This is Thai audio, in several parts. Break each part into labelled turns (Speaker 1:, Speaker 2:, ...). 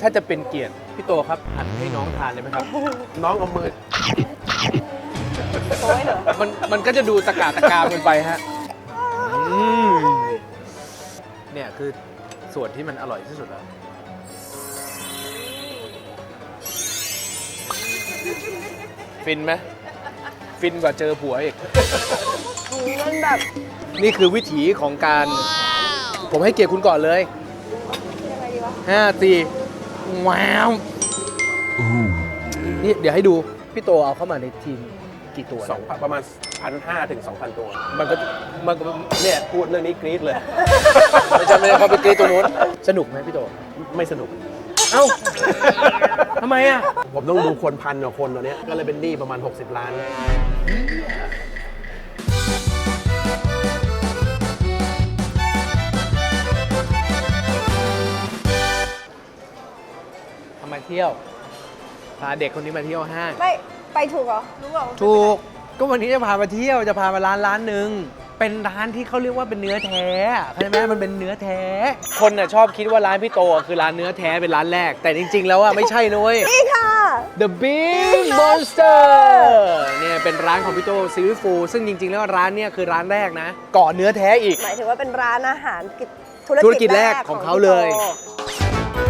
Speaker 1: ถ้าจะเป็นเกียรติพี่โตครับหั่นให้น้องทานเลยไหมครับ
Speaker 2: น้องเอามือ
Speaker 3: โอ้ยเหรอ
Speaker 1: มันก็จะดูตะกาตะกามเกินไปฮะเนี่ยคือส่วนที่มันอร่อยที่สุดแล้วฟินไหมฟินกว่าเจอผัวอีก
Speaker 3: มันแบบ
Speaker 1: นี่คือวิถีของการ ผมให้เกียรติคุณก่อนเลย
Speaker 3: ยังไงดีวะ
Speaker 1: 5 4ว้าวนี่เดี๋ยวให้ดู พี่โตเอาเข้ามาในทีมกี่ตัว
Speaker 2: ประมาณ 1,500 ถึง 2,000 ตัว
Speaker 1: มันก็มันก็
Speaker 2: เนี่ยพูดเรื่องนี้กรี๊ดเลย
Speaker 1: ไม่ใช่เขาไปกรีดตัวนู้นสนุกไหมพี่โต
Speaker 2: ไม่สนุก
Speaker 1: เอ้าทำไมอ่ะ
Speaker 2: ผมต้องดูคนพันกว่าคนตอนนี้ก็เลยเป็นหนี้ประมาณ 60 ล้าน
Speaker 1: มาเที่ยว พาเด็กคนนี้มาเที่ยวห้าง
Speaker 3: ไม่ไปถูกเหรอรู้เปล่า
Speaker 1: ถูก ก็วันนี้จะพามาเที่ยว จะพามาร้านหนึ่ง เป็นร้านที่เขาเรียกว่าเป็นเนื้อแท้เข้าใจไหมมันเป็นเนื้อแท้ คนน่ะชอบคิดว่าร้านพี่โตคือร้านเนื้อแท้เป็นร้านแรก แต่จริงๆ แล้วอ่ะไม่ใช่นุ้ย
Speaker 3: นี่ค่ะ
Speaker 1: The Big Monster เนี่ยเป็นร้านของพี่โตซีรีส์ฟูซึ่งจริงๆ แล้วร้านเนี่ยคือร้านแรกนะ ก่อนเนื้อแท้อีก
Speaker 3: หมายถึงว่าเป็นร้านอาหารธุ
Speaker 1: ธุ
Speaker 3: ร
Speaker 1: รกิ
Speaker 3: กิ
Speaker 1: จ
Speaker 3: จ
Speaker 1: แร
Speaker 3: แร
Speaker 1: ก
Speaker 3: ก
Speaker 1: ของ
Speaker 3: พี่
Speaker 1: เขาเลย
Speaker 3: โต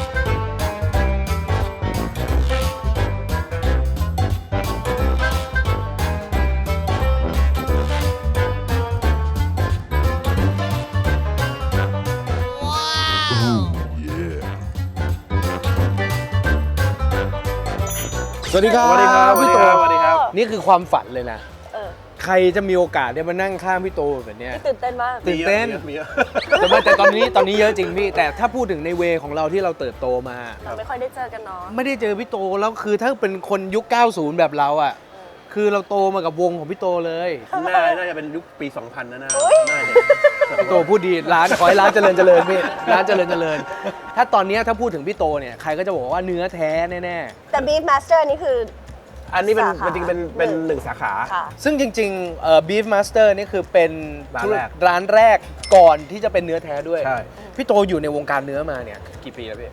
Speaker 1: สวัสดีครับ
Speaker 2: สวัสดีครับ
Speaker 1: พี่โต
Speaker 2: สวัสดีครับ
Speaker 1: นี่คือความฝันเลยนะ
Speaker 3: เออ
Speaker 1: ใครจะมีโอกาสได้มานั่งข้างพี่โตแบบเนี้ย
Speaker 3: ตื่นเต้นมาก
Speaker 1: ตื่นเต้น
Speaker 2: มีเยอะ
Speaker 1: แต่ตอนนี้เยอะจริงพี่ แต่ถ้าพูดถึงในเวของเราที่เราเติบโตมา
Speaker 3: เราไม่ค่อยได้เจอกันเนาะ
Speaker 1: ไม่ได้เจอพี่โตแล้วคือถ้าเป็นคนยุค 90 แบบเราอ่ะ คือเราโตมากับวงของพี่โตเลย
Speaker 2: น่าจะเป็นยุคปี 2000นะน่าจะ
Speaker 1: พี่โตพูดดีร้านขอให้ร้านเจริญพี่ร้านเจริญ ถ้าตอนเนี้ยถ้าพูดถึงพี่โตเนี่ยใครก็จะบอกว่าเนื้อแท้แน่
Speaker 3: แต่ Beef Master นี่คือ
Speaker 2: อันนี้เป็น
Speaker 3: สาขา
Speaker 2: จริงๆเป็นหนึ่งสาขา
Speaker 3: ค่ะ
Speaker 1: ๆซึ่งจริงๆBeef Master นี่คือเป็น
Speaker 2: ร้านแรก
Speaker 1: ร้านแรกก่อนที่จะเป็นเนื้อแท้ด้วย
Speaker 2: ใช่
Speaker 1: พี่โตอยู่ในวงการเนื้อมาเนี่ยกี่ปีแล้วพี่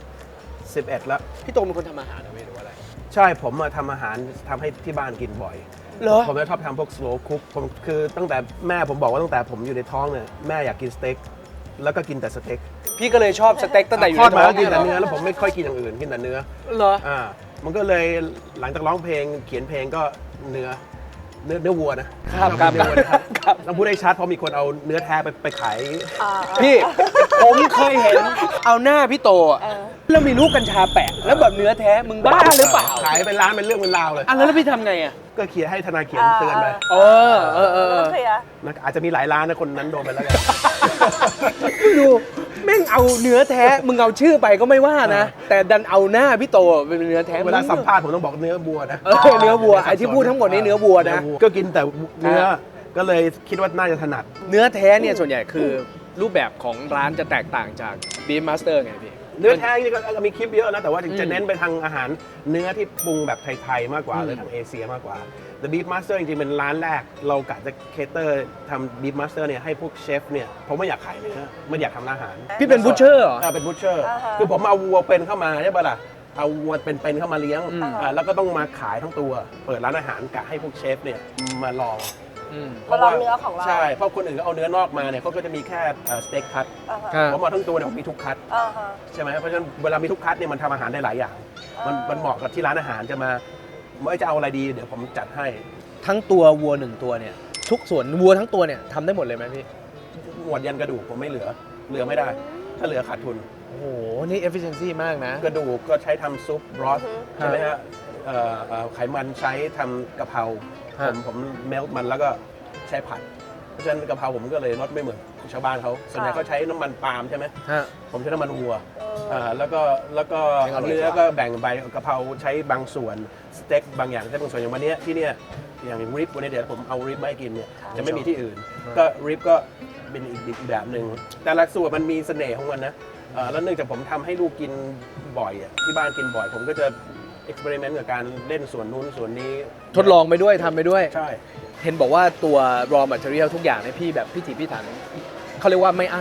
Speaker 2: 11 แล้ว
Speaker 1: พี่โตเป็นคนทำอาหารนะพี่หรือว่าอะไร
Speaker 2: ใช่ผมมาทำอาหารทำให้ที่บ้านกินบ่อย
Speaker 1: เหรอ
Speaker 2: ผมจะชอบทำพวก slow cook ผมคือตั้งแต่แม่ผมบอกว่าตั้งแต่ผมอยู่ในท้องเนี่ยแม่อยากกินสเต็กแล้วก็กินแต่สเต็ก
Speaker 1: พี่ก็เลยชอบสเต็กตั้งแต่อยู่
Speaker 2: ทอด
Speaker 1: ใน
Speaker 2: มา
Speaker 1: ท้อ
Speaker 2: ก็
Speaker 1: ง
Speaker 2: กินแต่
Speaker 1: เนื้
Speaker 2: เนื้อแล้วผมไม่ค่อยกินอย่างอื่นกินแต่เนื้อ
Speaker 1: เหรอ
Speaker 2: มันก็เลยหลังจากร้องเพลงเขียนเพลงก็เนื้อวัวนะครับ
Speaker 1: ครับ
Speaker 2: เนื้อวัวนะครับ
Speaker 1: ครับ
Speaker 2: ต้องพูดให้ชัดเพราะมีคนเอาเนื้อแท้ไปขาย
Speaker 1: พี่ผมเคยเห็นเอาหน้าพี่โตอะ
Speaker 3: เออ
Speaker 1: แล้วมีลูกกัญชาแปะแล้วแบบเนื้อแท้มึงบ้าหรือเปล่า
Speaker 2: ขายเป็นร้านเป็นเรื่องเป็นราวเลย
Speaker 1: อ่ะแล้วพี่ทำไงอ่ะ
Speaker 2: ก็เขียนให้ทนายเขียนเตือนไป
Speaker 1: เออ
Speaker 3: ต้องเคลียร์
Speaker 2: อาจจะมีหลายร้านนะคนนั้นโดนไปแล้วกัน
Speaker 1: ดูแม่งเอาเนื้อแท้มึงเอาชื่อไปก็ไม่ว่านะ แต่ดันเอาหน้าพี่โตเป็นเนื้อแท้
Speaker 2: เวลาสัมภาษณ์ผมต้องบอกเนื้อวัวนะ
Speaker 1: เนื้อวัวไอ้ที่พูดทั้งหมดนี่เนื้อวัวนะ
Speaker 2: ก็กินแต่เนื้อก็เลยคิดว่าน่าจะถนัด
Speaker 1: เนื้อแท้เนี่ยส่วนใหญ่คือรูปแบบของร้านจะแตกต่างจาก Beef Master ไงพี่
Speaker 2: เนื้อแท้นี่ก็มีคลิปเยอะนะ แต่ว่าจะเน้นไปทางอาหารเนื้อที่ปรุงแบบไทยๆมากกว่าหรือทางเอเชียมากกว่า The Beef Master จริงๆเป็นร้านแรกเรากะจะเคเตอร์ทำ Beef Master เนี่ยให้พวกเชฟเนี่ยผมไม่อยากขายเนื้อไม่อยากทำอาหาร
Speaker 1: พี่เป็นบูชเชอร์เหรอ
Speaker 2: เป็นบูชเชอร์
Speaker 3: อ่าฮะ
Speaker 2: คือผมเอาวัวเป็นเข้ามาใช่ปะล่ะเอาวัวเป็นเข้ามาเลี้ยง
Speaker 1: อืม
Speaker 2: แล้วก็ต้องมาขายทั้งตัว เปิดร้านอาหารกะให้พวกเชฟเนี่ยมาลอง
Speaker 3: มาลองเนื้อของเรา
Speaker 2: ใช่เพราะคนอื่นก็เอาเนื้อนอกมาเนี่ยเขาก็จะมีแค่สเต็กคัต
Speaker 3: อ่าฮะ
Speaker 1: ครับ
Speaker 2: ผมเอาทั้งตัวเนี่ยผมมีทุกคัต
Speaker 3: อ่าฮะ
Speaker 2: ใช่ไหมเพราะฉะนั้นเวลามีทุกคัตเนี่ยมันทำอาหารได้หลายอย่าง มันเหมาะกับที่ร้านอาหารจะมาไม่จะเอาอะไรดีเดี๋ยวผมจัดให้
Speaker 1: ทั้งตัววัวหนึ่งตัวเนี่ยทุกส่วนวัวทั้งตัวเนี่ยทำได้หมดเลยไหมพี่
Speaker 2: หมวดยันกระดูกผมไม่เหลือไม่ได้ ถ้าเหลือขาดทุน
Speaker 1: โอ้โห นี่ efficiency มากนะ
Speaker 2: กระดูกก็ใช้ทำซุปบรอส
Speaker 3: อือฮึ
Speaker 2: ใช่ไหมฮะไขมันใช้ทำกะเพรา
Speaker 1: ฮะ
Speaker 2: ผมเมลต์มันแล้วก็ใช้ผัด เพราะฉะนั้นกะเพราผมก็เลยรสไม่เหมือนชาวบ้านเขาส่วนใหญ่เขาใช้น้ำมันปาล์มใช่ไหม
Speaker 1: ฮะ
Speaker 2: ผมใช้น้ำมันวัว แล้วก็
Speaker 1: ยังอร่อย
Speaker 2: เนื้อก็แบ่งใบกะเพราใช้บางส่วนสเต็กบางอย่างใช้บางส่วนอย่างวันเนี้ยที่เนี่ยอย่างริบวันนี้เดี๋ยวผมเอาริบมาให้กินเนี่ยจะไม่มีที่อื่น ก็ริบก็เป็นอีกแบบหนึ่งแต่ละส่วนมันมีเสน่ห์ของมันนะแล้วเนื่องจากผมทำให้ลูกกินบ่อยอะที่บ้านกินบ่อย ผมก็จะเอ็กซ์เพร์เมนต์กับการเล่นส่วนนู้นส่วนนี้
Speaker 1: ทดลองไปด้วยทำไปด้วย
Speaker 2: ใช่
Speaker 1: เห็นบอกว่าตัว raw material ทุกอย่างเนี่ยพี่แบบพิถีพิถันเขาเรียกว่าไม่อั้นอ่ะพี่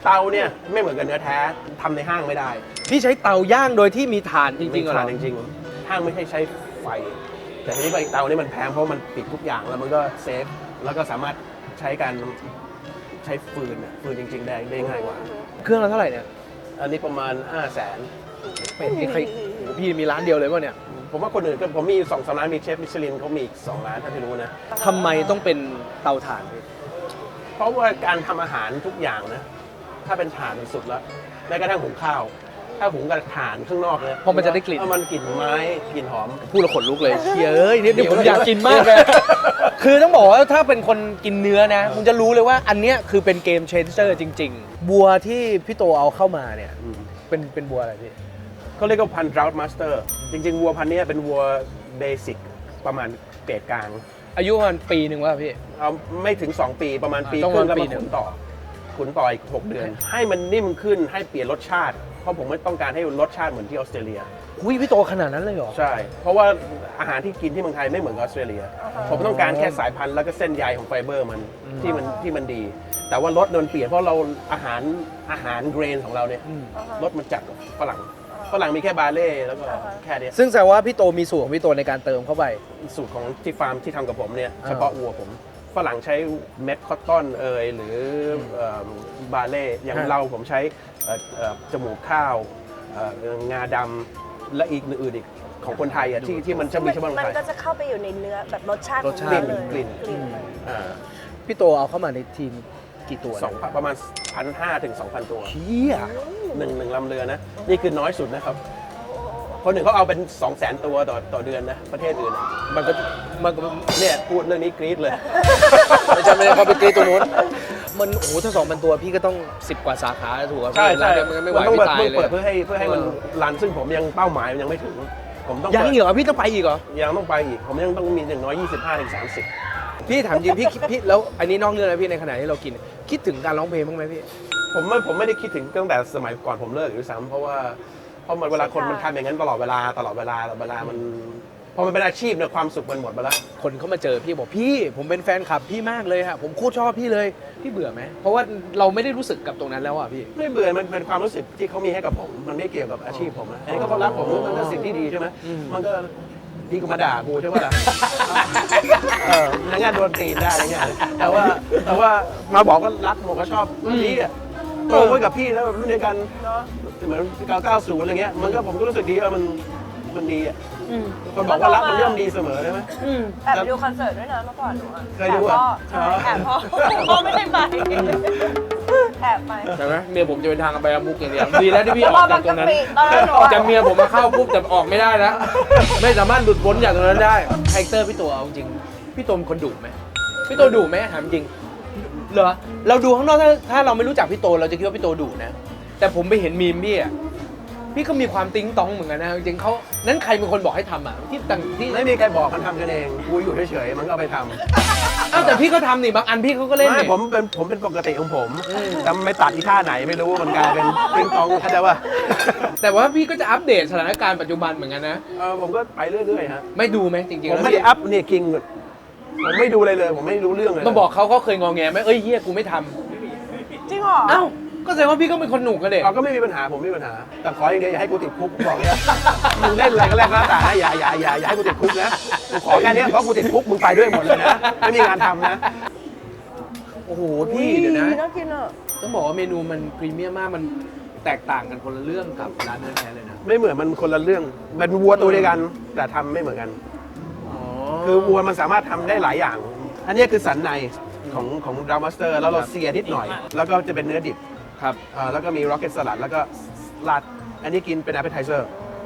Speaker 2: เตาเนี่ยไม่เหมือนกับเนื้อแท้ทำในห้างไม่ได้
Speaker 1: พี่ใช้เตาย่างโดยที่มีถ่านจริงๆเหรอ
Speaker 2: ทานจริงๆห้างไม่ใช่ใช้ไฟ แต่ทีนี้เตานี่มันแพงเพราะมันปิดทุกอย่างแล้วมันก็เซฟแล้วก็สามารถใช้การใช้ฟืนฟืนจริงๆได้ง่ายกว่า
Speaker 1: เครื่องละเท่าไหร่เนี่ย
Speaker 2: อันนี้ประมาณ 500,000
Speaker 1: เป็นที่ใครโอ้โหพี่มีร้านเดียวเลยป่ะเนี่ย
Speaker 2: ผมว่าคนอื่นก็ผมมี2-3ร้านมีเชฟมิชลินเขามีอีก2ร้านถ้าที่รู้นะ
Speaker 1: ทำไมต้องเป็นเตาถ่านพี่
Speaker 2: เพราะว่าการทำอาหารทุกอย่างนะถ้าเป็นถ่านมันสุดแล้วแม้กระทั่งหุงข้าว ถ้าหุงกับถ่านข้างนอกเนี่ย
Speaker 1: เพราะมันจะได้กลิ่น
Speaker 2: มันกลิ่นไม้กลิ่นหอม
Speaker 1: พูดแล้วขนลุกเลยเชียเอ้ยนี่ผมอยากกินมากเลย คือต้องบอกว่าถ้าเป็นคนกินเนื้อนะมึงจะรู้เลยว่าอันเนี้ยคือเป็นเกมเชนเจอร์จริง ๆ บัวที่พี่โตเอาเข้ามาเนี่ยเป็นบัวอะไรพี่
Speaker 2: เขาเรียกว่าพันธุ์ Drought Master จริงๆวัวพันธุ์เนี้ยเป็นวัวเบสิกประมาณเกรดกลาง
Speaker 1: อายุประมาณปีหนึ่งวะพี่
Speaker 2: เอาไม่ถึง 2 ปีประมาณปี
Speaker 1: ต้อง
Speaker 2: ครึ่ง
Speaker 1: ประ
Speaker 2: แล้ว
Speaker 1: มาณปี
Speaker 2: มา
Speaker 1: หนึ่
Speaker 2: ขุ
Speaker 1: ง
Speaker 2: นต่ออีก 6 เดือน ให้มันนิ่มขึ้นให้เปลี่ยนรสชาติ เพราะผมไม่ต้องการให้รสชาติเหมือนที่ออสเตรเลีย
Speaker 1: หุยพี่โตขนาดนั้นเลยเหรอ
Speaker 2: ใช่ เพราะว่าอาหารที่กินที่เมืองไทยไม่เหมือนกับออสเตรเลีย ผมต้องการแค่สายพันธุ์แล้วก็เส้นใยของไฟเบอร์มันที่มันดี แต่ว่ารสมันเปลี่ยนเพราะเราอาหารเกรนของเราเนี่ยรสมันจัดกว่าฝรั่งมีแค่บาเล่แล้วก็แค่เนี้ย
Speaker 1: ซึ่งแสดงว่าพี่โตมีสูตรของพี่โตในการเติมเข้าไป
Speaker 2: สูตรของที่ฟาร์มที่ทำกับผมเนี่ย
Speaker 1: อ่า
Speaker 2: เฉพาะวัวผมฝรั่งใช้เม็ดคอตตอนหรือบาเล่อย่างเราผมใช้จมูกข้าวงาดำและอีกอื่นๆอีกของคนไทยอ่ะที่มันจะมีเฉพาะคน
Speaker 3: มัน
Speaker 2: ไทย
Speaker 3: ก็จะเข้าไปอยู่ในเนื้อแบบรสชาติ
Speaker 1: รสชาติ
Speaker 3: ของเนื้อเลย
Speaker 2: กลิ่น อ่า
Speaker 1: พี่โตเอาเข้ามาในทีมกี่ตัว
Speaker 2: สองประมาณ 1,500 ถึง 2,000 ตัว
Speaker 1: เชี่ย
Speaker 2: หนึ่งลำเรือนะ นี่คือน้อยสุดนะครับ คนหนึ่งเขาเอาเป็น 200,000 ตัวต่อเดือนนะ ประเทศอื่นอะ
Speaker 1: มันก็มันก็
Speaker 2: เนี่ยพูดเรื่องนี้กรี๊ดเลย
Speaker 1: ไม่ใช่เขาไปตีตัวนู้นมันโอ้โหถ้า2,000 ตัวพี่ก็ต้อง10 กว่าสาขาถูกป่ะ
Speaker 2: ใช่
Speaker 1: ร้า
Speaker 2: ใช่
Speaker 1: นเดียวมันก็ไม่ไหว
Speaker 2: ต้อง
Speaker 1: พี่ตายเลย
Speaker 2: เปิดเพื่อให้มันรันซึ่งผมยังเป้าหมายมันยังไม่ถึง ผมต้อง
Speaker 1: ยัง
Speaker 2: เปิด
Speaker 1: เหรอพี่ต้องไปอีกเหรอ
Speaker 2: ยังต้องไปอีก ผมยังต้องมีอย่างน้อย 25 ถึง 30
Speaker 1: พี่ถามจริงพี่แล้วอันนี้นอกเรื่องนะพี่ในขณะที่เรากิน คิดถึงการร้องเพลงบ้างไหมพี่
Speaker 2: ผมไม่ได้คิดถึงตั้งแต่สมัยก่อนผมเลิกอยู่ด้วยซ้ำเพราะมันเวลาคนมันทำอย่างนั้นตลอดเวลามันพอมันเป็นอาชีพเนี่ยความสุขมันหมดไปแล้ว
Speaker 1: คนเขามาเจอพี่บอกพี่ผมเป็นแฟนคลับพี่มากเลยฮะผมโคตรชอบพี่เลยพี่เบื่อไหมเพราะว่าเราไม่ได้รู้สึกกับตรงนั้นแล้วอ่ะพี่
Speaker 2: ไม่เบื่อมันเป็นความรู้สึกที่เขามีให้กับผม มันไม่เกี่ยวกับอาชีพผมนะอันนี้ก็เขารักผมมันก็สิ่งที่ดีใช่ไหมมันก็ดีกว่ามาด่ากูใช่ไหมล่ะในงานโดนตีนได้อะไรเงี้ยแต่ว่ามาบอกว่ารักผมก็ชอบพี่อ่ะโตไว้กับพี่แล้วแบบรุ่นเดียวกันเหมือน990อะไรเงี้ยมันก็ผมก็รู้สึกดีมันดีอ่ะคนบอกว่ารักมันย่อมดีเสมอใช่ไหม
Speaker 3: แอบไปดูคอนเสิร์ตด้วยนะเมื่อก่อนหนูอะ
Speaker 2: เคยดูอะ
Speaker 3: แอบพ่อพ่อไม่ได้ไปแอบไป
Speaker 1: ใช่ไหมเมียผมจะเป็นทางไปอามุกอย่างเดียวดีแล้วที่พี่ออกจากตรงนั้น
Speaker 3: ตอนนั้นหนู
Speaker 1: จะเมียผมมาเข้าปุ๊บแต่ออกไม่ได้นะไม่สามารถหลุดพ้นจากตรงนั้นได้คาแรคเตอร์พี่ตัวเอาจริงพี่ตัวเป็นคนดุไหมพี่ตัวดุไหมถามจริงเหรอเราดูข้างนอกถ้าเราไม่รู้จักพี่โตเราจะคิดว่าพี่โตดุนะแต่ผมไปเห็นมีมพี่อ่ะพี่ก็มีความติ๊งต้องเหมือนกันนะจริงๆเขานั้นใครเป็นคนบอกให้ทำอ่ะที่
Speaker 2: ไม่มีใครบอกมันทำกันเองกูอยู่เฉยๆมันก็เอาไปทำ
Speaker 1: อ้าวแต่พี่ก็ทำนี่บางอันพี่เขาก็เล่น
Speaker 2: ไม่
Speaker 1: นี่
Speaker 2: ผมเป็นปกติของผมแต่ไม่ตัดที่ท่าไหนไม่รู้มันกลายเป็นปิงปองเข้าใจป่ะ
Speaker 1: แต่ว่าพี่ก็จะอัปเดตสถานการณ์ปัจจุบันเหมือนกันนะ
Speaker 2: ผมก็ไปเรื่อยๆฮะ
Speaker 1: ไม่ดูไหมจริงๆ
Speaker 2: ผม
Speaker 1: แล้ว
Speaker 2: ไม่ได้อัพเนี่ยกิงผมไม่ดูเลยผมไม่รู้เรื่องเลย
Speaker 1: มาบอกเขาเคยงอแงไหมเอ้ยเฮียกูไม่ท
Speaker 3: จริงเหรอ
Speaker 1: ำอ้าวก็แสดงว่าพี่ก็เป็นคนหนุกกันเด็ก
Speaker 2: เราก็ไม่มีปัญหาผมไม่มีปัญหา แต่ขออย่างเดียวอย่าให้กูติดคุกบอกเนี่ยมึงเล่นอะไรก็แลกก็แล้วแต่นะอย่าให้กูติดคุกนะกูขอแค่นี้เพราะกูติดคุกมึงไปด้วยหมดเลยนะไม่มีงานทำนะ
Speaker 1: โอ้โหพี่เดี๋ยวนะ
Speaker 3: น่ากินอ่ะ
Speaker 1: ต้องบอกว่าเมนูมันพรีเมียมมากมันแตกต่างกันคนละเรื่องกับร้านเนื้อแท้เลยนะ
Speaker 2: ไม่เหมือนมันคนละเรื่องเป็นวัวตัวเดียวกัน แต่ทำไม่เหมือนกัน คือวัวมันสามารถทำได้หลายอย่าง อันนี้คือสันในของดาวมาสเตอร์แล้วเราเสียนิดหน่อย แล้วก็จะเป็นเนื้อดิบ
Speaker 1: ครับ
Speaker 2: แล้วก็มีร็อกเก็ตสลัดแล้วก็ราดอันนี้กินเป็น appetizer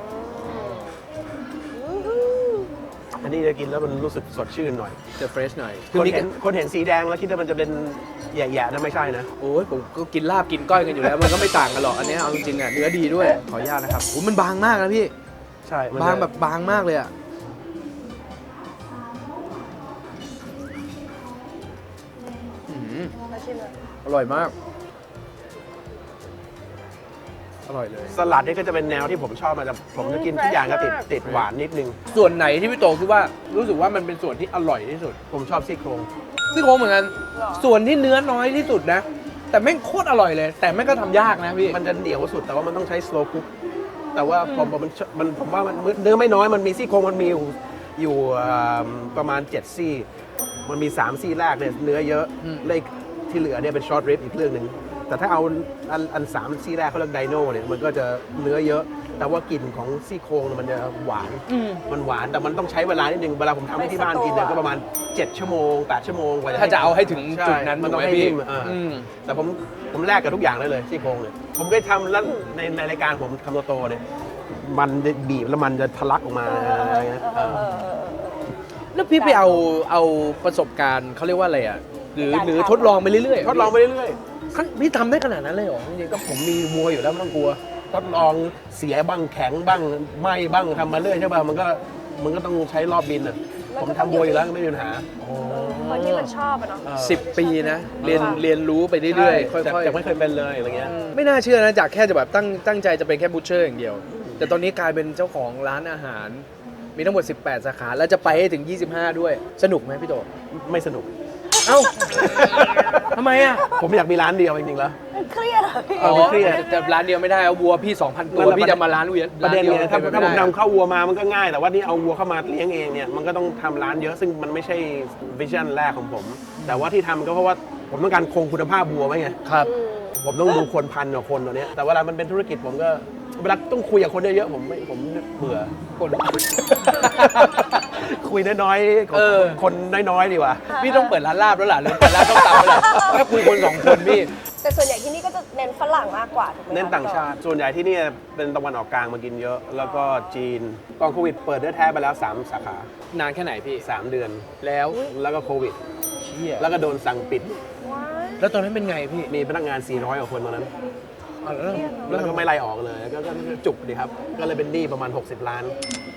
Speaker 2: อันนี้จะกินแล้วมันรู้สึกสดชื่นหน่อย
Speaker 1: จะเฟรชหน่อย
Speaker 2: คนเห็นสีแดงแล้วคิดว่ามันจะเป็นแย่ๆนะไม่ใช่นะ
Speaker 1: โอ้ยผมก็กินลาบกินก้อยกันอยู่แล้ว มันก็ไม่ต่างกันหรอกอันนี้เอาจริงๆอ่ะเนื้อดีด้วยขออนุญาตนะครับโอ้มันบางมากนะพี่
Speaker 2: ใช่มัน
Speaker 1: บางแบบบางมากเลยอ่ะ
Speaker 3: น่ากินอ่ะ
Speaker 1: อร่อยมาก อร่อยเลย
Speaker 2: สลัดนี่ก็จะเป็นแนวที่ผมชอบมาแต่ผมจะกินทุกอย่างก็ติดหวานนิดนึง
Speaker 1: ส่วนไหนที่พี่โตคิดว่ารู้สึกว่ามันเป็นส่วนที่อร่อยที่สุด
Speaker 2: ผมชอบซี่โครง
Speaker 1: ซี่โครงเหมือนกัน ส่วนที่เนื้อน้อยที่สุดนะแต่แม่งโคตรอร่อยเลย แต่แม่งก็ทำยากนะพี่
Speaker 2: มันจะเหนียวสุดแต่ว่ามันต้องใช้ slow cook แต่ว่ามันผมว่ามันเนื้อไม่น้อยมันมีซี่โครงมันมีอยู่ประมาณ7ซี่มันมี3ซี่แรกเนี่ยเนื้อเยอะเลขที่เหลือเนี่ยเป็น short rib อีกเรื่องหนึ่งแต่ถ้าเอาอัน3ซี่แรกเขาเรียกไดโน่เนี่ยมันก็จะเนื้อเยอะ แต่ว่ากลิ่นของซี่โครงเนี่ยมันจะหวานมันหวานแต่มันต้องใช้เวลานิดนึงเวลาผมทำให้ที่บ้านกินเนี่ยก็ประมาณ7ชั่วโมง8ชั่วโมงกว่า
Speaker 1: ถ้าจะเอาให้ถึงจุดนั้น
Speaker 2: มันต้องให้
Speaker 1: ถูกไหมพี่
Speaker 2: นิ่มแต่ผมแลกกับทุกอย่างได้เลยซี่โครงเนี่ยผมเคยทำแล้วในรายการผมทำโตๆเนี่ยมันจะบีบแล้วมันจะทะลักออกมาอะไรเงี้ย
Speaker 1: แล้วพี่ไปเอาประสบการณ์เขาเรียกว่าอะไรอ่ะหรือทดลองไปเรื่อยๆ
Speaker 2: ทดลองไปเรื่อย
Speaker 1: พี่ทำได้ขนาดนั้นเลยเหรอจริง
Speaker 2: ๆก็ผมมีวัวอยู่แล้วไม่ต้องกลัวทดลองเสียบ้างแข็งบ้างไหม้บ้างทำมาเรื่อยใช่ป่ะมันก็ต้องใช้รอบบินอ่ะผมทำวัวอยู่แล้วไม่มีปัญหา
Speaker 3: คนที่มันชอบอะเนาะ
Speaker 1: 10 ปีนะเรียนรู้ไปเรื่อยๆค่อยๆ
Speaker 2: จากไม่เคยเป็นเลยอะไรเงี้ย
Speaker 1: ไม่น่าเชื่อนะจากแค่จะแบบตั้งใจจะเป็นแค่บูชเชอร์อย่างเดียว แต่ตอนนี้กลายเป็นเจ้าของร้านอาหาร มีทั้งหมด 18 สาขา แล้วจะไปให้ถึง 25 ด้วย สนุกไหมพี่โต
Speaker 2: ไม่สนุก
Speaker 1: เอ้า ทำไมอ่ะ
Speaker 2: ผมอยากมีร้านเดียวจริงๆแล้ว
Speaker 3: เครียดเหรอพี่
Speaker 2: อ๋อ เครียด
Speaker 1: แต่ร้านเดียวไม่ได้เอาวัวพี่ 2,000 ตัว พี่จะมาร้านเวียน
Speaker 2: ประเด็นเนี่ยถ้า
Speaker 1: ร้
Speaker 2: ผม
Speaker 1: ดีวน
Speaker 2: ำเข้าวัวมามันก็ง่าย แต่ว่านี่เอาวัวเข้ามาเลี้ยงเองเนี่ยมันก็ต้องทำร้านเยอะซึ่งมันไม่ใช่วิชั่นแรกของผม แต่ว่าที่ทำก็เพราะว่าผมต้องการคงคุณภาพวัวไว้ไง
Speaker 1: ครับ
Speaker 2: ผมต้องดูคนพันกว่าคนตัวเนี้ยแต่เวลามันเป็นธุรกิจผมก็เวลาต้องคุยกับคนเยอะๆผมเบื่อ
Speaker 1: คน
Speaker 2: คุยน้อยๆคนน้อยๆดีกว่า
Speaker 1: พี่ต้องเปิดร้านลาบแล้วล่ะหรือเปิดร้านต้มตำแล้วล่ะถ้าคุยคน2 คนพี่
Speaker 3: แต่ส่วนใหญ่ที่นี่ก็จะเน้นฝรั่งมากกว่าถูกไหมคะ
Speaker 2: เน้นต่างชาติ ส่วนใหญ่ที่นี่เป็นตะวันออกกลางมากินเยอะ แล้วก็จีนก่อนโควิดเปิดเนื้อแท้ไปแล้ว3สาขาน
Speaker 1: านแค่ไหนพี่
Speaker 2: 3 เดือน
Speaker 1: แล้ว
Speaker 2: แล้วก็โควิด
Speaker 1: เชี่ย
Speaker 2: แล้วก็โดนสั่งปิด
Speaker 3: ว้าย
Speaker 1: แล้วตอนนั้นเป็นไงพี่
Speaker 2: มีพนักงาน 400 กว่าคนตอนนั้น
Speaker 1: อ๋อแล้ว
Speaker 2: แล้วก็ไม่ไล่ออกเลยก็จุกดีครับ ก็เลยเป็นหนี้ประมาณ 60 ล้าน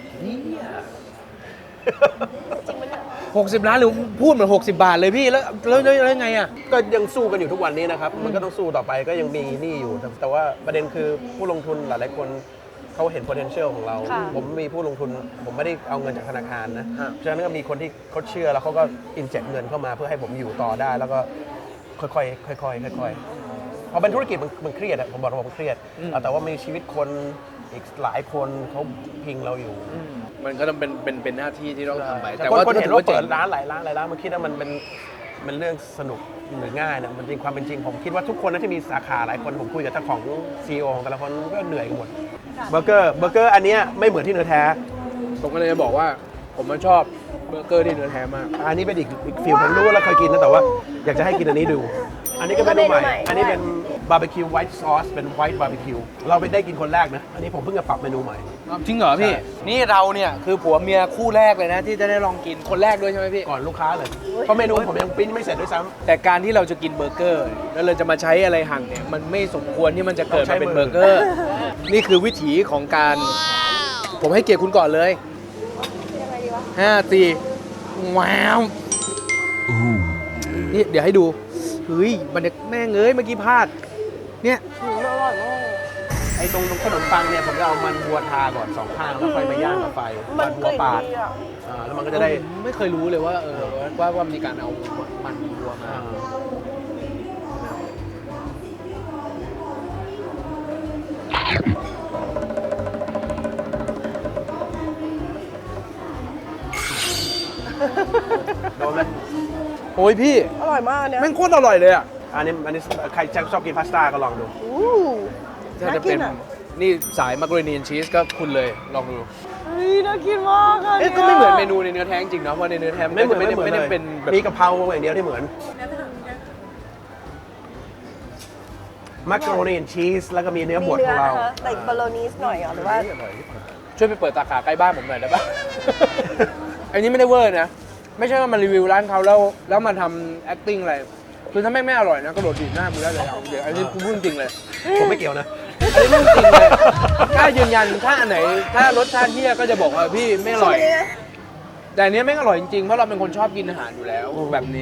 Speaker 3: จริงไหมเนี่ย
Speaker 1: 60 ล้านหรือพูดเหมือน60 บาทเลยพี่แล้วไงอ่ะ
Speaker 2: ก็ยังสู้กันอยู่ทุกวันนี้นะครับ มันก็ต้องสู้ต่อไปก็ยังมีหนี้อยู่ แต่ว่าประเด็นคือผู้ลงทุนหลายๆคนเขาเห็น potential ของเรา ผมมีผู้ลงทุน ผมไม่ได้เอาเงินจากธนาคารนะ
Speaker 1: ฮะ
Speaker 2: ฉะนั้นก็มีคนที่เขาเชื่อแล้วเขาก็อินเจ t เงินเข้ามาเพื่อให้ผมอยู่ต่อได้ แล้วก็ค่อยๆค่อยๆพอเป็นธุรกิจมันเครียดอะผมบอกว่าผมเครียด แต่ว่ามีชีวิตคนอีกหลายคนเขาพิงเราอยู่
Speaker 1: มันก็ต้องเป็นหน้าที่ที่ต้องทำไป
Speaker 2: แต่
Speaker 1: แต่ว่า
Speaker 2: คนเห็นว่า
Speaker 1: จ๋
Speaker 2: เปิ
Speaker 1: ง
Speaker 2: ดร้านหลายร้านมันคิดว่ามันเรื่องสนุกหรือง่ายนะมันจริงความเป็นจริงผมคิดว่าทุกคนนะที่มีสาขาหลายคนผมคุยกับเจ้าของ CEO ของแต่ละคนก็เหนื่อยกันหมดเบอร์เกอร์อันเนี้ยไม่เหมือนที่เนื้อแท้
Speaker 1: ผมก็เลยจะบอกว่าผมมันชอบเบอร์เกอร์ที่เนื้อแท้มาก
Speaker 2: อันนี้เป็นอีกฟิลผมรู้แล้วเคยกินนะแต่ว่าอยากจะให้กินอันนี้ดู อันนี้ก็เป็นเมนูใหม่อันนี้เป็นบาร์บีคิวไวท์ซอสเป็นไวท์บาร์บีคิวเราไปได้กินคนแรกนะอันนี้ผมเพิ่งจะปรับเมนูใหม่
Speaker 1: จริงเหรอพี่
Speaker 2: ใช่
Speaker 1: นี่เราเนี่ยคือผัวเมียคู่แรกเลยนะที่จะได้ลองกินคนแรกด้วยใช่ไหมพี่
Speaker 2: ก่อนลูกค้าเลย เพราะเมนูผมยังปริ้นไม่เสร็จด้วยซ้ำ
Speaker 1: แต่การที่เราจะกินเบอร์เกอร์ แล้วเราจะมาใช้อะไรหั่นเนี่ยมันไม่สมควรที่มันจะเกิดมาเป็นเบอร์เกอร์ นี่คือวิถีของการ ผมให้เกียรติคุณก่อนเลย
Speaker 3: ยังไงดีวะ
Speaker 1: 5 4ว้าวนี่เดี๋ยวให้ดูเฮ้ยมันแม่งเอ้ยเมื่อกี้พลาดเนี่ย
Speaker 3: อร่อยมาก
Speaker 2: ไอ้ตรงขนมปังเนี่ยผมจะเอามันวัวทาก่อน2ข้างแล้วค่อยมาย่างกับไฟ
Speaker 3: มั
Speaker 2: มัน น
Speaker 3: ก
Speaker 2: วัว
Speaker 3: ลิ่น
Speaker 2: ปาด
Speaker 3: ดีอ่ะ
Speaker 2: แล้วมันก็จะได้
Speaker 1: ไม่เคยรู้เลยว่าว่ามีการเอามันวัวมา
Speaker 2: โดนไหม
Speaker 1: โอ้ยพี่
Speaker 3: อร่อยมากเนี่ย
Speaker 1: แม่งโคตรอร่อยเลยอ่ะ
Speaker 2: อันนี้ใครชอบกินพาสต้าก็ลองดู
Speaker 3: อู้
Speaker 1: ถ้า
Speaker 3: น่า
Speaker 1: จะ
Speaker 3: กิ
Speaker 1: เป็น น
Speaker 3: อ่ะ
Speaker 1: นี่สายมักโรนีนชีสก็คุณเลยลองดู
Speaker 3: เฮ้ยน่ากินมากอ่ะ
Speaker 1: เอ๊ะก็ไม่เหมือนเมนูในเนื้อแท้จริงๆเนาะเพราะในเนื้อแท้
Speaker 2: ไม่เหมือน
Speaker 1: ไม่
Speaker 2: ไม่เหมือน
Speaker 1: ได้
Speaker 2: เลย
Speaker 1: เป็นแบบ
Speaker 2: มีกะเพราอย่างเดียวที่เหมือนมักโรนีนชีสแล้วก็มีเนื้อบ
Speaker 3: มี
Speaker 2: ดข
Speaker 3: เนื้
Speaker 2: อ
Speaker 3: อง
Speaker 2: เรา
Speaker 3: นะคะแต่บอโลนีสหน่อยเหรอหรือว่า
Speaker 1: ช่วยไปเปิดสาขาใกล้บ้านผมหน่อยได้ปะ อันนี้ไม่ได้เวอร์นะ ไม่ใช่ว่ามันรีวิวร้านเขาแล้วมาทำ acting อะไร คือถ้าแม่งไม่อร่อยนะกระโดดดีดหน้ากูได้เลยเอาเดี๋ยวอันนี้กูพูดจริงเลย
Speaker 2: ผมไม่เกี่ยวนะ
Speaker 1: อันนี้พูดจริงเลยกล้ายืนยันถ้าอันไหน ถ้ารสชาติเที่ยก็จะบอกว่าพี่ไม่อร่อย แต่อันนี้ไม่งอร่อยจริงๆ เพราะเราเป็นคนชอบกินอาหารอยู่แล้วแบบนี้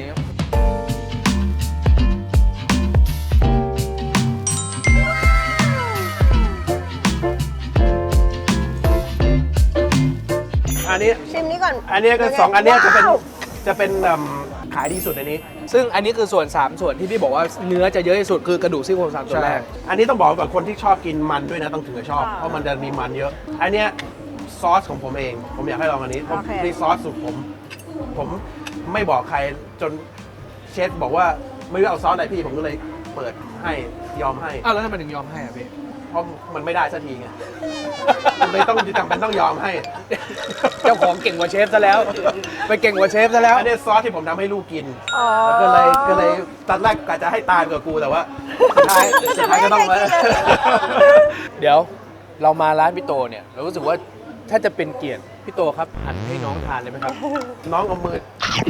Speaker 2: อันนี้
Speaker 3: ชิมนี้ก่อน
Speaker 2: อันนี้ก็สองอันเนี้ยจะเป็น
Speaker 3: ว้าว
Speaker 2: ขาายดีสุดในนี้
Speaker 1: ซึ่งอันนี้คือส่วน 3 ส่วนที่พี่บอกว่าเนื้อจะเยอะที่สุดคือกระดูกซี่โครง3ส่วนแรก
Speaker 2: อันนี้ต้องบอกก่อนคนที่ชอบกินมันด้วยนะต้องถึงจะชอบ เพราะมันจะมีมันเยอะ อันเนี้ยซอสของผมเอง ผมอยากให้ลองอันนี้เพราะนี่ซอสสูตรผมไม่บอกใครจนเชฟบอกว่าไม่รู้เอาซอสอะไรพี่ผมก็เลยเปิดให้ยอมให้
Speaker 1: อ้าวแล้วทำไมถึงยอมให้อ่ะพี่
Speaker 2: เพราะมันไม่ได้สักทีไง มันเลยต้องจำเป็นต้องยอมให้
Speaker 1: เจ้าของเก่งกว่าเชฟซะแล้ว ไปเก่งกว่าเชฟซะแล้ว
Speaker 2: อันนี้ซอสที่ผมทำให้ลูกกิน
Speaker 3: อ๋อ
Speaker 2: แล้วก็เลยตอนแรกกะจะให้ตายกับกูแต่ว่าสุดท้ายก็ต้องมา
Speaker 1: เดี๋ยวเรามาร้านพี่โตเนี่ยเรารู้สึกว่าถ้าจะเป็นเกียรติพี่โตครับหั่นให้น้องทานเลยไหมครับ
Speaker 2: น้องเอามือ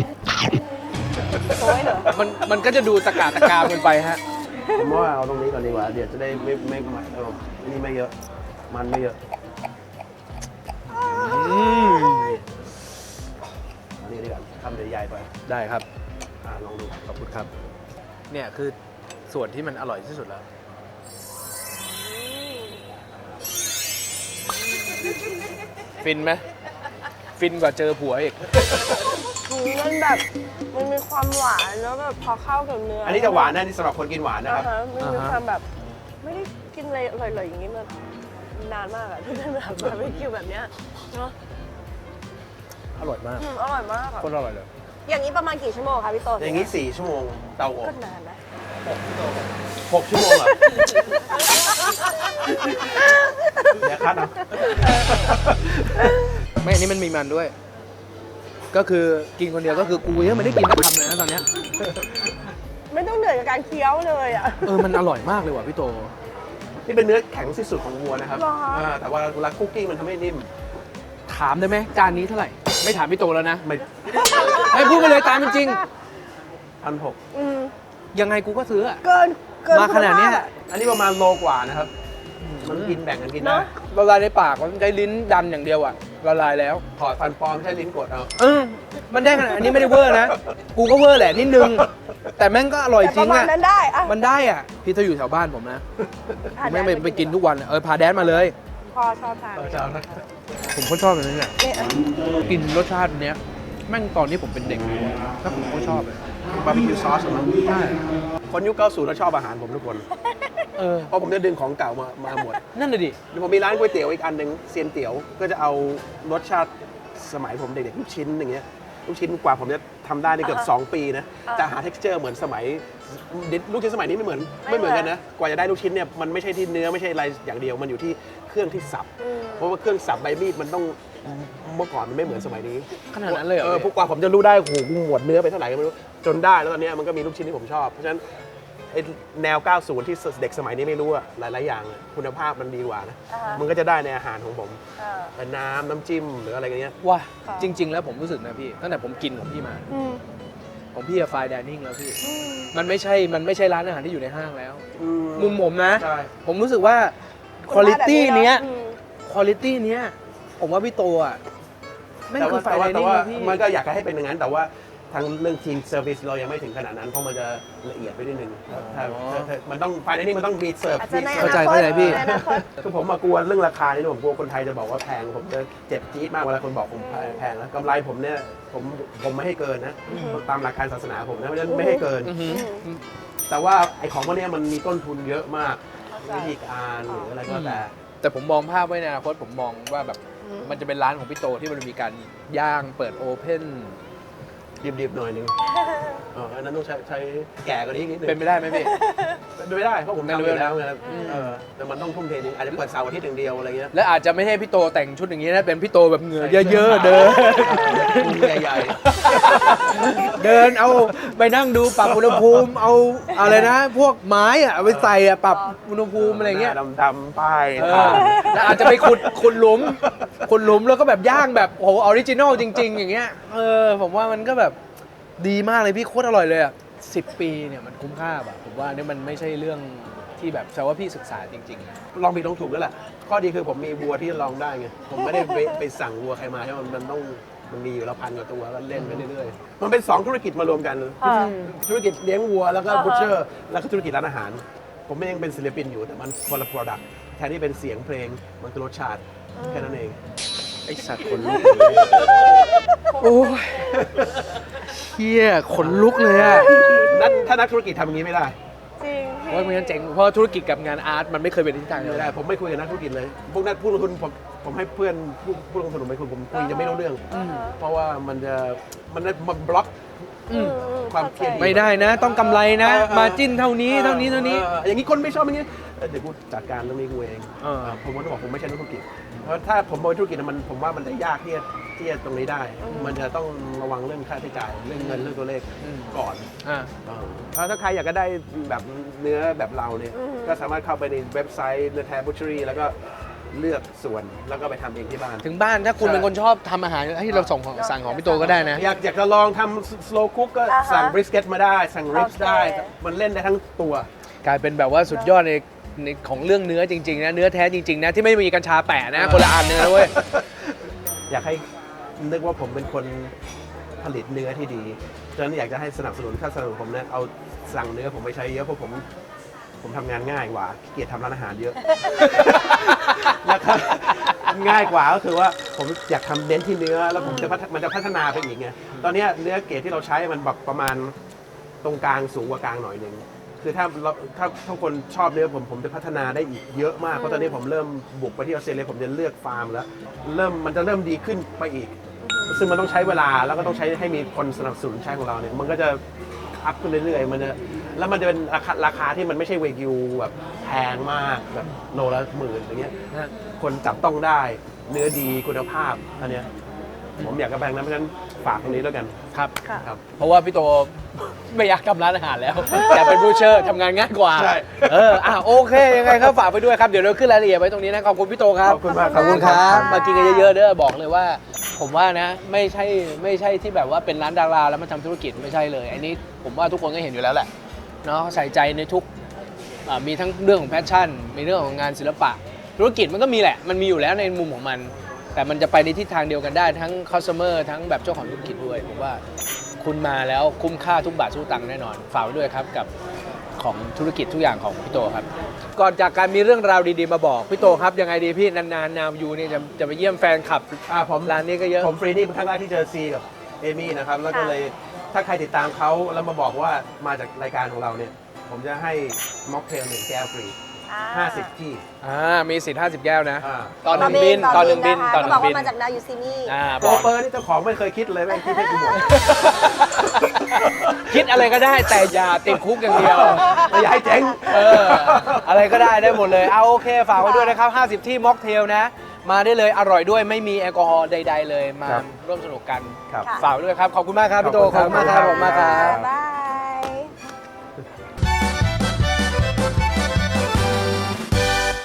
Speaker 3: โอ้ยเหรอ
Speaker 1: มันก็จะดูตะกาตะกามกันไปฮะ
Speaker 2: ผมว่าเอาตรงนี้ก่อนดีกว่า เดี๋ยวจะได้ไม่นี่ไม่เยอะ มันไม่เยอะอันนี้ดีกว่าทำใหญ่ๆไป
Speaker 1: ได้ครับ
Speaker 2: ลองดู
Speaker 1: ขอบคุณครับ เนี่ยคือส่วนที่มันอร่อยที่สุดแล้ว ฟินไหมฟินกว่าเจอผัวอีก
Speaker 3: มันแบบมันมีความหวานแล้วแบบพอเข้ากับเนื้อ
Speaker 2: อั
Speaker 3: อั
Speaker 2: นนี้จะหวานนะนี่สำหรับคนกินหวานนะครับ
Speaker 3: มันมีความแบบไม่ได้กินอะไรอร่อยๆอย่างนี้มานานมากอะที่เป็นแบบบาร์บีคิวแบบเนี้ยเนาะ
Speaker 1: อร่อยมาก
Speaker 3: อร่อยมากอะ
Speaker 1: โคตรอร่อยเลย
Speaker 3: อย่างนี้ประมาณกี่ชั่วโมงคะพี่โต
Speaker 2: อย่างนี้4 ชั่วโมงเตาอบ
Speaker 3: ก็นานนะ
Speaker 2: 6 ชั่วโมงเหรอ เดี๋ยวคัดเอา
Speaker 1: ไม่อันนี้มันมีมันด้วย ก็คือกินคนเดียวก็คือกูยังไม่ได้กินสักคำเลยนะตอนเนี้ย
Speaker 3: ไม่ต้องเหนื่อยกับการเคี้ยวเลยอะ
Speaker 1: มันอร่อยมากเลยว่ะพี่โต
Speaker 2: นี่เป็นเนื้อแข็งที่สุดของวัวนะครับ
Speaker 3: เหรอคะ
Speaker 2: แต่ว่าเวลาคุกกิ้งมันทำให้นิ่ม
Speaker 1: ถามได้ไหมจานนี้เท่าไหร่ ไม่ถามพี่โตแล้วนะ
Speaker 2: ไม่
Speaker 1: ให้พูดไปเลยตามเป็นจริง
Speaker 2: 1,600
Speaker 3: อืม
Speaker 1: ยังไงกูก็ซื้ออะ
Speaker 3: เกิน
Speaker 1: มาขนาดเนี้ย
Speaker 2: อันนี้ประมาณโลกว่านะครับ มันกินแบ่งกันกินได้
Speaker 3: เนอะ
Speaker 1: ละลายในปากมันใช้ลิ้นดันอย่างเดียวอะละลายแล้ว
Speaker 2: ถอดฟันปลอมใช้ลิ้นกดเอา
Speaker 1: มันได้ขนาดอันนี้ไม่ได้เวอร์นะ กูก็เวอร์แหละนิดนึง แต่แม่งก็อร่อย
Speaker 3: แต่
Speaker 1: จ
Speaker 3: ป
Speaker 1: ริ
Speaker 3: ระ
Speaker 1: ง
Speaker 3: มาณ
Speaker 1: อะ
Speaker 3: นั้นได้อะ
Speaker 1: มันได้อะพี่ถ้าอยู่แถวบ้านผมนะผมไม่ไปกินทุกวันอะพาแดนมาเลย
Speaker 3: พ่อชอบทาน
Speaker 2: จะเอานะ
Speaker 1: ผมก็ชอบแบบนี้เนี่ย
Speaker 3: เนี่ย
Speaker 1: กินรสชาติเนี้ยแม่งตอนที่ผมเป็นเด็กถ้าผมก็ชอบเลย
Speaker 2: บาร์บีคิวซอสเหรอ
Speaker 1: ใช่
Speaker 2: คนยุค 90 แล้วชอบอาหารผมทุกคน เพราะผมจะดึงของเก่ามาหมด
Speaker 1: นั่นเลยดิ
Speaker 2: ผมมีร้านก๋วยเตี๋ยวอีกอันหนึ่งเซียนเตี๋ยว ก็จะเอารสชาติสมัยผมเด็กๆลูกชิ้นอย่างเงี้ย ลูกชิ้นกว่าผมจะทำได้ในเกือบ2 ปีนะจะหา texture เหมือนสมัยลูกชิ้นสมัยนี้ไม่เหมือนกันนะ กว่าจะได้ลูกชิ้นเนี่ยมันไม่ใช่ที่เนื้อไม่ใช่อะไรอย่างเดียว มันอยู่ที่เครื่องที่สับ เพราะว่าเครื่องสับใบมีดมันต้องเมื่อก่อนมันไม่เหมือนสมัยนี้
Speaker 1: ขนาดนั้นเลยเหรอ
Speaker 2: พวกกว่าผมจะรู้ได้โอ้โหกูหมดเนื้อไปเท่าไหร่ก็ไม่รู้จนได้แล้วตอนเนี้ยมันก็มีลูกชิ้นที่ผมชอบ เพราะฉะนั้นไอ้แนว 90 ที่เด็กสมัยนี้ไม่รู้อะหลาย ๆ อย่างอะคุณภาพมันดีกว่านะ มันก็จะได้ในอาหารของผมเป็นน้ำจิ้มหรืออะไรกันเงี้ย
Speaker 1: ว่าจริง ๆ แล้วผมรู้สึกนะพี่ตั้งแต่ผมกินของพี่มา ของพี่อะไฟน์ไดนิ่งแล้วพี่ มันไม่ใช่ร้านอาหารที่อยู่ในห้างแล้ว มุมผมนะ
Speaker 2: ใช่
Speaker 1: ผมรู้สึกว่าคุณภาพเนี้ยคุณภาพเนี้ยผมว่าพี่โตอ่ะแม่งคือไฟน์ไดนิ่งนะพี่
Speaker 2: มันก็อยากให้เป็นอย่างนั้น แต่ว่าทางเรื่องทีมเซอร์วิสเรายังไม่ถึงขนาดนั้น เพราะมันจะละเอียดไปนิดนึงถ้ามันต้องไฟในนี้มันต้องมีเสิร์ฟ
Speaker 3: อาจจะในอ
Speaker 1: เข้าใจ
Speaker 3: นาคต
Speaker 1: เข้าใจพี่
Speaker 3: ในอนาคต
Speaker 2: คือผมมากลัวเรื่องราคานี่ผมกลัวคนไทยจะบอกว่าแพงผมจะเจ็บจี๊ดมากเวลาคนบอกผมแพงแล้วกำไรผมเนี่ยผมไม่ให้เกินนะตามหลักการศาสนาผมนะเพราะฉะนั้นไม่ให้เกิน แต่ว่าไอ้ของพวกเนี้ยมันมีต้นทุนเยอะมากวิธีการหรืออะไรก็แต่
Speaker 1: แต่ผมมองภาพไว้ในอนาคตผมมองว่าแบบมันจะเป็นร้านของพี่โตที่มันมีการย่างเปิดโอเพ่น
Speaker 2: ดิบๆหน่อยนึงอันนั้นต้องใช้แก่กว่านี้นิดนึง
Speaker 1: เป็นไปได้ไหมพี่
Speaker 2: เป็นไม่ได้เพราะผมทำอยู่แล้วไงแต่มันต้องทุ่มเทจริงอาจจะเปิดเสาร์อาทิตย์อย่างเดียวอะไรเงี้ย
Speaker 1: และอาจจะไม่ให้พี่โตแต่งชุดอย่างนี้นะเป็นพี่โตแบบเหงื่อเยอะๆเดิน
Speaker 2: พุงใหญ่
Speaker 1: เดินเอาไปนั่งดูปรับอุณหภูมิเอาอะไรนะ พวกไม้อะเอาไปใส่อะปรับอุณหภูมิอะไรเงี้ย
Speaker 2: ดำๆป้าย
Speaker 1: แล้วอาจจะไปขุดหลุมแล้วก็แบบย่างแบบโอ้โหออริจินอลจริง ๆ อย่างเงี้ยผมว่ามันก็แบบดีมากเลยพี่โคตรอร่อยเลยอ่ะ10 ปีเนี่ยมันคุ้มค่าป่ะผมว่าเนี่ยมันไม่ใช่เรื่องที่แบบแสดงว่าพี่ศึกษาจริง
Speaker 2: ลองผิดลองถูกแล้วแหละข้อดีคือผมมีวัวที่ลองได้ไงผมไม่ได้ไปสั่งวัวใครมาใช่ไหมมันมีอยู่แล้ว1,000 กว่าตัวก็เล่นไปเรื่อยๆมันเป็น2ธุรกิจมารวมกันธุรกิจเลี้ยงวัวแล้วก็บูชเชอร์แล้วก็ธุรกิจร้านอาหาร ผมไม่ยังเป็นศิลปินอยู่แต่มันคนละ product แทนที่เป็นเสียงเพลงมันคือรสชาติแค่นั้นเอง
Speaker 1: ไอสัตว์คนลุกโอ้ยชี่ยขนลุกเลยอ่ะ
Speaker 2: นั่นถ้านักธุรกิจทำอย่างนี้ไม่ได้
Speaker 3: จริงพี่
Speaker 1: โอ้ยมันงั้นเจ๋งเพราะธุรกิจกับงานอาร์ตมันไม่เคยเป็นทิศทางเดียว
Speaker 2: ไม่
Speaker 1: กัน
Speaker 2: ได้ผมไม่คุยกับนักธุรกิจเลยพวกนักผู้ลงทุนผมให้เพื่อนผู้ลงทุนผมไปคุยผมคุยจะไม่รู้เรื่อง เพราะว่ามันบล็อก ความเครียด
Speaker 1: ไม่ได้นะ ต้องกำไรนะ มาจิ้นเท่านี้เท่านี้เท่านี้
Speaker 2: อย่างนี้คนไม่ชอบอย่างนี้เดี๋ยวกูจัดการเรื่องนี้กูเอง ผมก็ต้องบอกผมไม่ใช่นักธุรกิจเพราะถ้าผมเป็นธุรกิจผมว่ามันจะยากที่จะตรงนี้ได้ มันจะต้องระวังเรื่องค่าใช้จ่ายเรื่องเงินเรื่องตัวเลขก่อน ถ้าใครอยากจะได้แบบเนื้อแบบเราเนี่ยก็สามารถเข้าไปในเว็บไซต์เนื้อแท้บูชเชอรี่แล้วก็เลือกส่วนแล้วก็ไปทำเองที่บ้าน
Speaker 1: ถึงบ้านถ้าคุณเป็นคนชอบทำอาหารให้เราสั่งของพี่โตก็ได้นะ
Speaker 2: อยากจะลองทำ slow cook ก็สั่ง brisket มาได้ สั่ง ribs ได้ มันเล่นได้ทั้งตัว
Speaker 1: กลายเป็นแบบว่าสุดยอดในของเรื่องเนื้อจริงๆนะเนื้อแท้จริงๆนะที่ไม่มีกัญชาแปะนะคนละอันเนื้อเว้ย
Speaker 2: อยากให้นึกว่าผมเป็นคนผลิตเนื้อที่ดีฉะนั้นอยากจะให้สนับสนุนผมนะเอาสั่งเนื้อผมไปใช้เยอะเพราะผมทำงานง่ายกว่าขี้เกียจทำร้านอาหารเยอะ นะครับง่ายกว่าก็คือว่าผมอยากทำเน้นที่เนื้อแล้วมันจะพัฒนาไปอีกไงตอนนี้เนื้อเกรดที่เราใช้มันแบบประมาณตรงกลางสูงกว่ากลางหน่อยหนึ่งคือถ้าคนชอบเนื้อผมจะพัฒนาได้อีกเยอะมากเพราะตอนนี้ผมเริ่มบุกไปที่ออสเตรเลียผมจะเลือกฟาร์มแล้วมันจะเริ่มดีขึ้นไปอีก ซึ่งมันต้องใช้เวลาแล้วก็ต้องใช้ให้มีคนสนับสนุนใช้ของเราเนี่ยมันก็จะอัพขึ้นเรื่อยๆมันจะเป็นราคาที่มันไม่ใช่เวกิวแบบแพงมากแบบโลละ10,000อย่างเงี้ยคนจับต้องได้เนื้อดีคุณภาพอันเนี้ยผมอยากกระแบงนะเพราะฉะนั้นฝากตรงนี้แล้วกัน
Speaker 1: ครับ
Speaker 2: ครับ
Speaker 1: เพราะว่าพี่โต ไม่อยากทำร้านอาหารแล้ว แต่เป็นบูชเชอร์ทำงานง่ายกว่า
Speaker 2: ใช่
Speaker 1: โอเคยังไงครับฝากไปด้วยครับเดี๋ยวเราขึ้นรายละเอียดไว้ตรงนี้นะขอบคุณพี่โตครับ
Speaker 2: ขอบคุณมาก
Speaker 1: ขอบคุณครับ
Speaker 3: ขอบคุณครับ
Speaker 1: มากินกันเยอะๆเด้อบอกเลยว่า ผมว่านะไม่ใช่ที่แบบว่าเป็นร้านดาราแล้วมาทำธุรกิจไม่ใช่เลยอันนี้ผมว่าทุกคนก็เห็นอยู่แล้วแหละเนาะใส่ใจในทุกมีทั้งเรื่องของแพชชั่นมีเรื่องของงานศิลปะ ธุรกิจมันก็มีแหละมันมีอยู่แล้วในมุมของมัน แต่มันจะไปในทิศทางเดียวกันได้ทั้ง customer ทั้งแบบเจ้าของธุรกิจด้วยผมว่าคุณมาแล้วคุ้มค่าทุกบาททุกตังค์แน่นอนฝากไว้ด้วยครับกับของธุรกิจทุกอย่างของพี่โตครับก่อนจากการมีเรื่องราวดีๆมาบอกพี่โตครับยังไงดีพี่นานๆนาวยูนี่จะไปเยี่ยมแฟนคลับ
Speaker 2: ผม
Speaker 1: ร้านนี้ก็เยอะ
Speaker 2: ผมฟรีนี่เป็นครั้งแรกที่เจอซีกับเอมี่นะครับแล้วก็เลยถ้าใครติดตามเขาแล้วมาบอกว่ามาจากรายการของเราเนี่ยผมจะให้ม็อกเทล1 แก้วฟรี 50 ที่
Speaker 1: มีสิทธิ์50 แก้วนะ
Speaker 2: อ่า
Speaker 1: ตอนหนึ่งบินตอนหนึ่งบิน
Speaker 3: นะคะ
Speaker 1: ตอนห
Speaker 3: ก็
Speaker 1: นึ่
Speaker 3: บอก
Speaker 1: งบิน
Speaker 3: ว่ามาจากนายูซีนี่
Speaker 2: โปรเปอร์นี่เจ้าของไม่เคยคิดเลยแม่งคิดให้กูหมด
Speaker 1: คิดอะไรก็ได้แต่อย่าติดคุกอย่างเดียว
Speaker 2: ไม่อยากให้เจ๊ง
Speaker 1: อะไรก็ได้หมดเลยเอาโอเคฝากไว้ด้วยนะครับ50 ที่ม็อกเทลนะ มาได้เลยอร่อยด้วยไม่มีแอลกอฮอล์ใดๆเลยมา
Speaker 2: ครับ
Speaker 1: ร่วมสนุกกัน
Speaker 2: ครับ
Speaker 1: ฝากไว้ด้วยครับขอบคุณมากครับพี่โต
Speaker 2: ขอบคุณครับ
Speaker 1: ขอบคุณมากครับ
Speaker 3: บ๊ายบาย